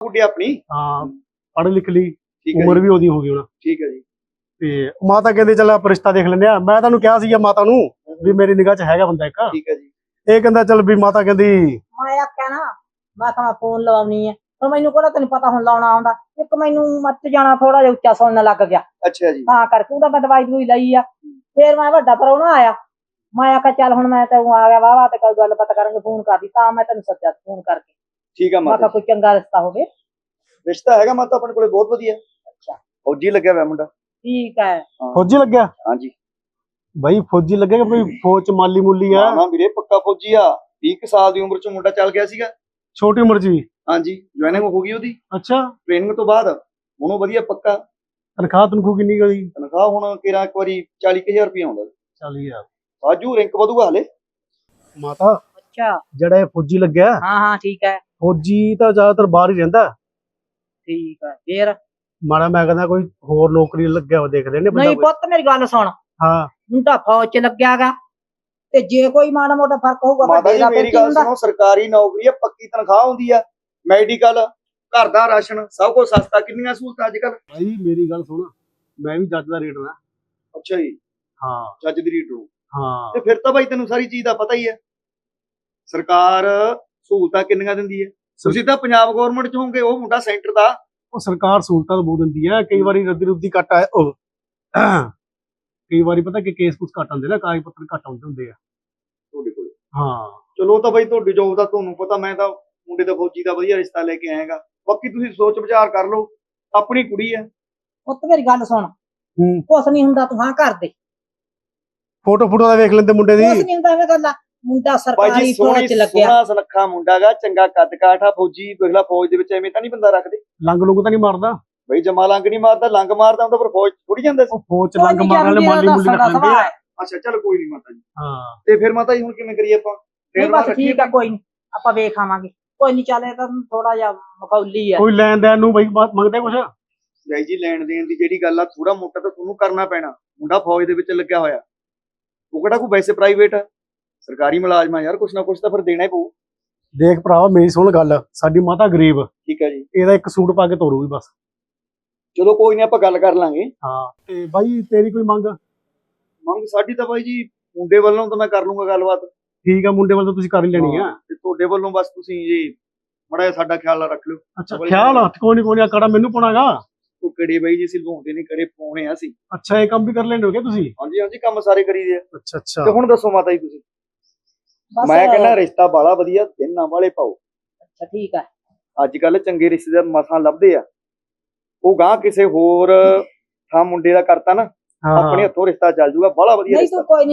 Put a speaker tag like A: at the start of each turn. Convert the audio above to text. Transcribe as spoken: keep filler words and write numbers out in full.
A: ਗੁੱਡੀ ਆਪਣੀ।
B: ਹਾਂ ਪੜ੍ਹ ਲਿਖ ਲਈ,
A: ਠੀਕ ਹੈ
B: ਉਮਰ
A: ਜੀ,
B: ਵੀ ਉਹਦੀ ਹੋ ਗਈ ਹੁਣ।
A: ਠੀਕ ਹੈ ਜੀ।
B: ਤੇ ਮਾਤਾ ਕਹਿੰਦੇ ਚੱਲ ਆਪਾਂ ਰਿਸ਼ਤਾ ਦੇਖ ਲੈਂਦੇ ਆ। ਮੈਂ ਤੁਹਾਨੂੰ ਕਿਹਾ ਸੀਗਾ ਮਾਤਾ ਨੂੰ ਵੀ ਮੇਰੀ ਨਿਗਾਹ 'ਚ ਹੈਗਾ ਬੰਦਾ ਇੱਕ।
A: ਠੀਕ ਹੈ ਜੀ।
B: ਇਹ ਕਹਿੰਦਾ ਚੱਲ ਵੀ ਮਾਤਾ ਕਹਿੰਦੀ
C: ਮੈਂ ਆਖਿਆ ਨਾ ਮੈਂ ਕਿਹਾ ਮੈਂ ਫੋਨ ਲਵਾਉਣੀ ਹੈ, ਪਰ ਮੈਨੂੰ ਕਿਹੜਾ ਤੈਨੂੰ ਪਤਾ ਹੁਣ ਲਾਉਣਾ ਆਉਂਦਾ। ਇੱਕ ਮੈਨੂੰ ਮੱਚ ਜਾਣਾ ਥੋੜਾ ਜਿਹਾ ਉੱਚਾ ਸੁਣਨ ਲੱਗ ਗਿਆ,
A: ਅੱਛਾ ਜੀ।
C: ਤਾਂ ਕਰਕੇ ਉਹਦਾ ਮੈਂ ਦਵਾਈ ਦਵਾਈ ਲਈ ਆ। ਫੇਰ ਮੈਂ ਵੱਡਾ ਪ੍ਰਾਹੁਣਾ ਆਇਆ, ਮੈਂ ਆਖਿਆ ਚੱਲ ਹੁਣ ਮੈਂ ਤੈਨੂੰ ਆ ਗਿਆ ਵਾਵਾ ਤੇ ਕੋਈ ਗੱਲਬਾਤ ਕਰਾਂਗੇ, ਫੋਨ ਕਰਦੀ ਤਾਂ ਮੈਂ ਤੈਨੂੰ ਸੱਦਿਆ ਫੋਨ ਕਰਕੇ।
A: ਠੀਕ ਆ
C: ਮੈਂ
A: ਮਾਤਾ
C: ਕਿਹਾ ਕੋਈ ਚੰਗਾ ਰਿਸ਼ਤਾ ਹੋਵੇ।
A: ਰਿਸ਼ਤਾ ਹੈਗਾ ਮਾਤਾ ਆਪਣੇ ਕੋਲੇ ਬਹੁਤ ਵਧੀਆ।
C: ਅੱਛਾ
A: ਫੌਜੀ ਲੱਗਿਆ ਹੋਇਆ ਮੁੰਡਾ।
C: ਠੀਕ ਹੈ।
B: ਫੌਜੀ ਲੱਗਿਆ?
A: ਹਾਂਜੀ
B: ਬਾਈ ਫੌਜੀ ਲੱਗੇਗਾ ਕੋਈ ਫੌਜ 'ਚ ਮਾਲੀ ਮੂਲੀ ਆ?
A: ਹਾਂ ਹਾਂ ਵੀਰੇ ਪੱਕਾ ਫੌਜੀ ਆ। ਵੀਹ ਕੁ ਸਾਲ ਦੀ ਉਮਰ 'ਚ ਮੁੰਡਾ ਚੱਲ ਗਿਆ ਸੀਗਾ।
B: ਛੋਟੀ ਉਮਰ 'ਚ ਵੀ?
A: ਹਾਂਜੀ ਜੁਆਇਨਿੰਗ ਹੋ ਗਈ ਉਹਦੀ
B: ਅੱਛਾ
A: ਟ੍ਰੇਨਿੰਗ ਤੋਂ ਬਾਅਦ। ਹੁਣ ਉਹ ਵਧੀਆ ਪੱਕਾ।
B: ਤਨਖਾਹ ਤਨਖੂ ਕਿੰਨੀ ਕੁ ਉਹਦੀ?
A: ਤਨਖਾਹ ਹੁਣ ਕਿਰਾ ਇੱਕ ਵਾਰੀ ਚਾਲੀ ਕੁ ਹਜ਼ਾਰ ਰੁਪਇਆ ਆਉਂਦਾ।
B: ਚਾਲੀ ਹਜ਼ਾਰ?
A: ਆਜੂ ਰਿੰਕ ਵਧੂਗਾ ਹਲੇ।
B: ਮਾਤਾ
C: ਅੱਛਾ
B: ਜਿਹੜਾ ਇਹ ਫੌਜੀ ਲੱਗਿਆ,
C: ਹਾਂ ਹਾਂ ਠੀਕ ਹੈ।
B: ਫੌਜੀ ਤਾਂ ਜ਼ਿਆਦਾਤਰ ਬਾਹਰ ਹੀ ਰਹਿੰਦਾ।
C: ਠੀਕ ਹੈ ਫੇਰ?
B: ਮਾੜਾ ਮੈਂ ਕਹਿੰਦਾ ਕੋਈ ਹੋਰ ਨੌਕਰੀ ਲੱਗਿਆ ਵਾ ਦੇਖਦੇ ਨੇ ਬੰਦਾ
C: ਨਹੀਂ
B: ਕੋਈ।
C: ਪੁੱਤ ਮੇਰੀ ਗੱਲ ਸੁਣ,
B: ਹਾਂ
C: ਹੁਣ ਤਾਂ ਫੌਜ ਚ ਲੱਗਿਆਗਾ, ਤੇ ਜੇ ਕੋਈ ਮਾੜਾ ਮੋਟਾ ਫਰਕ ਹੋਊਗਾ
A: ਮਾਤਾ
C: ਵੱਡੇ
A: ਜੀ
C: ਦਾ
A: ਮੇਰੀ
C: ਫਿਰ ਕੀ
A: ਗੱਲ
C: ਹੁੰਦਾ।
A: ਸੁਣੋ, ਸਰਕਾਰੀ ਨੌਕਰੀ ਆ, ਪੱਕੀ ਤਨਖਾਹ ਹੁੰਦੀ ਆ, ਮੈਡੀਕਲ, ਘਰ ਦਾ ਰਾਸ਼ਨ, ਸਭ ਕੁਝ ਸਸਤਾ। ਕਿੰਨੀਆਂ ਸਹੂਲਤਾਂ ਅੱਜ ਕੱਲ।
B: ਭਾਈ ਮੇਰੀ ਗੱਲ ਸੁਣ, ਮੈਂ ਵੀ ਜੱਜ ਦਾ ਰੇਡਰ ਆ।
A: ਅੱਛਾ ਜੀ
B: ਹਾਂ
A: ਜੱਜ ਦੀ ਰੀਡਰ।
B: ਹਾਂ
A: ਤੇ ਫਿਰ ਤਾਂ ਬਾਈ ਤੈਨੂੰ ਸਾਰੀ ਚੀਜ਼ ਦਾ ਪਤਾ ਹੀ ਹੈ। ਸਰਕਾਰ ਸਹੂਲਤਾਂ ਕਿੰਨੀਆਂ ਦਿੰਦੀ ਹੈ। ਤੁਸੀਂ ਤਾਂ ਪੰਜਾਬ ਗਵਰਨਮੈਂਟ ਚ ਹੋਵੋਗੇ, ਉਹ ਮੁੰਡਾ ਸੈਂਟਰ ਦਾ।
B: ਉਹ ਸਰਕਾਰ ਸਹੂਲਤਾਂ ਤਾਂ ਬਹੁਤ ਦਿੰਦੀ ਹੈ। ਕਈ ਵਾਰੀ ਰੱਦੀ ਰੁੱਦੀ ਘੱਟ ਆ ਉਹ ਕਈ ਵਾਰੀ ਪਤਾ ਕਿ ਕੇਸ ਕੁਛ ਘੱਟ ਆਉਂਦੇ ਨਾ, ਕਾਗਜ਼ ਪੱਤਰ ਘੱਟ ਆਉਂਦੇ ਹੁੰਦੇ ਆ
A: ਤੁਹਾਡੇ ਕੋਲ।
B: ਹਾਂ।
A: ਚਲੋ ਉਹ ਤਾਂ ਬਾਈ ਤੁਹਾਡੀ ਜੋਬ ਦਾ ਤੁਹਾਨੂੰ ਪਤਾ। ਮੈਂ ਤਾਂ ਮੁੰਡੇ ਦਾ ਫੌਜੀ ਦਾ ਵਧੀਆ ਰਿਸ਼ਤਾ ਲੈ ਕੇ ਆਏਗਾ। ਬਾਕੀ ਤੁਸੀਂ ਸੋਚ ਵਿਚਾਰ ਕਰ ਲਓ, ਆਪਣੀ ਕੁੜੀ ਹੈ।
C: ਪੁੱਤ ਮੇਰੀ ਗੱਲ ਸੁਣ,
B: ਹੂੰ
C: ਕੁਛ ਨਹੀਂ ਹੁੰਦਾ, ਤੂੰ ਹਾਂ ਕਰ ਦੇ।
B: ਫੋਟੋ ਫੋਟੋ ਦਾ ਵੇਖ ਲੈਂਦੇ ਮੁੰਡੇ ਦੀ।
C: ਕੁਛ ਨਹੀਂ ਹੁੰਦਾ ਐਵੇਂ ਗੱਲਾਂ। ਮੁੰਡਾ
A: ਬਾਈ
C: ਸਰਕਾਰੀ
A: ਜੀ
C: ਫੌਜ
A: ਸੋਹਣੀ
C: ਚ ਲੱਗਿਆ।
A: ਸੋਹਣਾ ਸੁਨੱਖਾ ਮੁੰਡਾ ਗਾ, ਚੰਗਾ ਕੱਦ ਕਾਠ ਆ। ਫੌਜੀ ਵੇਖਲਾ, ਫੌਜ ਦੇ ਵਿੱਚ ਐਵੇਂ ਤਾਂ ਨਹੀਂ ਬੰਦਾ ਰੱਖਦੇ।
B: ਲੰਗ ਲੁੰਗ ਤਾਂ ਨਹੀਂ ਮਾਰਦਾ?
A: ਬਈ ਜਮਾ ਲੰਗ ਨਹੀਂ ਮਾਰਦਾ। ਲੰਗ ਮਾਰਦਾ ਹੁੰਦਾ ਪਰ ਫੌਜ ਥੋੜੀ ਜਾਂਦਾ ਸੀ।
B: ਉਹ ਫੌਜ ਚ
C: ਕੋਈ
B: ਲੰਗ
C: ਨੀ
B: ਮਾਰਨ ਵਾਲੇ
C: ਜਾਂਦੀ
B: ਮਾਲੀ
C: ਉਹਦਾ
B: ਮੂਲੀ ਰੱਖ
C: ਸਾਡਾ
B: ਲੈਂਦੇ ਆ।
C: ਸੁਭਾਅ ਹੈ।
A: ਅੱਛਾ ਚੱਲ ਕੋਈ ਨਹੀਂ ਮਾਤਾ ਜੀ।
B: ਹਾਂ
A: ਤੇ ਫਿਰ ਮਾਤਾ ਜੀ ਹੁਣ ਕਿਵੇਂ ਕਰੀਏ ਆਪਾਂ?
C: ਨਹੀਂ
A: ਫੇਰ
C: ਬਸ ਠੀਕ ਆ, ਕੋਈ ਨੀ ਆਪਾਂ ਵੇਖ ਆਵਾਂਗੇ। ਕੋਈ ਨੀ ਚੱਲ, ਇਹ ਤਾਂ ਥੋੜਾ ਜਿਹਾ ਮਖੌਲੀ ਆ।
B: ਕੋਈ ਲੈਣ ਦੇਣ ਨੂੰ ਬਈ ਬਾਤ ਮੰਗਦੇ ਕੁਛ?
A: ਬਾਈ ਜੀ ਲੈਣ ਦੇਣ ਦੀ ਜਿਹੜੀ ਗੱਲ ਆ, ਥੋੜਾ ਮੋਟਾ ਤਾਂ ਤੁਹਾਨੂੰ ਕਰਨਾ ਪੈਣਾ। ਮੁੰਡਾ ਫੌਜ ਦੇ ਵਿੱਚ ਲੱਗਿਆ ਹੋਇਆ, ਉਹ ਕਿਹੜਾ ਕੋਈ ਵੈਸੇ ਪ੍ਰਾਈਵੇਟ ਆ, ਸਰਕਾਰੀ ਮੁਲਾਜ਼ਮ ਆ ਯਾਰ। ਕੁਛ ਨਾ ਕੁਛ ਤਾਂ ਫਿਰ ਦੇਣਾ ਹੀ ਪਊ।
B: ਦੇਖ ਭਰਾਵਾ ਮੇਰੀ ਸੁਣ ਗੱਲ, ਸਾਡੀ ਮਾਤਾ ਗਰੀਬ,
A: ਠੀਕ ਹੈ ਜੀ।
B: ਇਹਦਾ ਇੱਕ ਸੂਟ ਪਾ ਕੇ ਤੋਰੂਗੀ ਬਸ।
A: ਚਲੋ ਕੋਈ ਨਹੀਂ, ਆਪਾਂ ਗੱਲ ਕਰ ਲਾਂਗੇ।
B: ਹਾਂ ਤੇ ਬਾਈ ਤੇਰੀ ਕੋਈ ਮੰਗ?
A: ਮੰਗ ਸਾਡੀ ਤਾਂ ਬਾਈ ਜੀ ਮੁੰਡੇ ਵੱਲੋਂ ਤਾਂ ਮੈਂ ਕਰ ਲੂੰਗਾ ਗੱਲਬਾਤ।
B: ਠੀਕ ਆ, ਮੁੰਡੇ ਵੱਲ ਤਾਂ ਤੁਸੀਂ ਕਰ ਹੀ ਲੈਣੀ ਆ।
A: ਤੇ ਤੁਹਾਡੇ ਵੱਲੋਂ ਬਸ ਤੁਸੀਂ ਜੀ ਮਾੜਾ ਜਿਹਾ ਸਾਡਾ ਖਿਆਲ ਰੱਖ ਲਿਓ।
B: ਅੱਛਾ ਖਿਆਲ ਆ, ਕੋਈ ਨੀ ਕੋਈ ਨੀ, ਕੜਾ ਮੈਨੂੰ ਪਾਉਣਾਗਾ।
A: ਉਹ ਕੜੇ ਬਾਈ ਜੀ ਅਸੀਂ ਲਵਾਉਂਦੇ ਨੇ, ਕੜੇ ਪਾਉਣੇ ਆ ਅਸੀਂ।
B: ਅੱਛਾ ਇਹ ਕੰਮ ਵੀ ਕਰ ਲੈਂਦੇ ਹੋਗੇ ਤੁਸੀਂ?
A: ਹਾਂਜੀ ਹਾਂਜੀ ਕੰਮ ਸਾਰੇ ਕਰੀਦੇ ਆ।
B: ਅੱਛਾ ਅੱਛਾ
A: ਤੇ ਹੁਣ ਦੱਸੋ ਮਾਤਾ ਜੀ ਤੁਸੀਂ।
C: ਬਸ
A: ਮੈਂ ਕਹਿੰਦਾ ਰਿਸ਼ਤਾ ਬਾਲਾ ਵਧੀਆ, ਦਿਨ ਨਾ ਵਾਲੇ ਪਾਓ।
C: ਅੱਛਾ ਠੀਕ ਆ।
A: ਅੱਜ ਕੱਲ ਚੰਗੇ ਰਿਸ਼ਤੇਦਾਰ ਮਸਾਂ ਲੱਭਦੇ ਆ। ਉਹ ਗਾਂ ਕਿਸੇ ਹੋਰ ਥਾਂ ਮੁੰਡੇ ਦਾ ਕਰਤਾ ਨਾ,
B: ਹਾਂ
A: ਆਪਣੇ ਹੱਥੋਂ ਰਿਸ਼ਤਾ ਚੱਲ ਜੂਗਾ। ਬਾਲਾ ਵਧੀਆ
C: ਨਹੀਂ
A: ਰਿਸ਼ਤਾ।
C: ਤੂੰ ਕੋਈ ਨੀ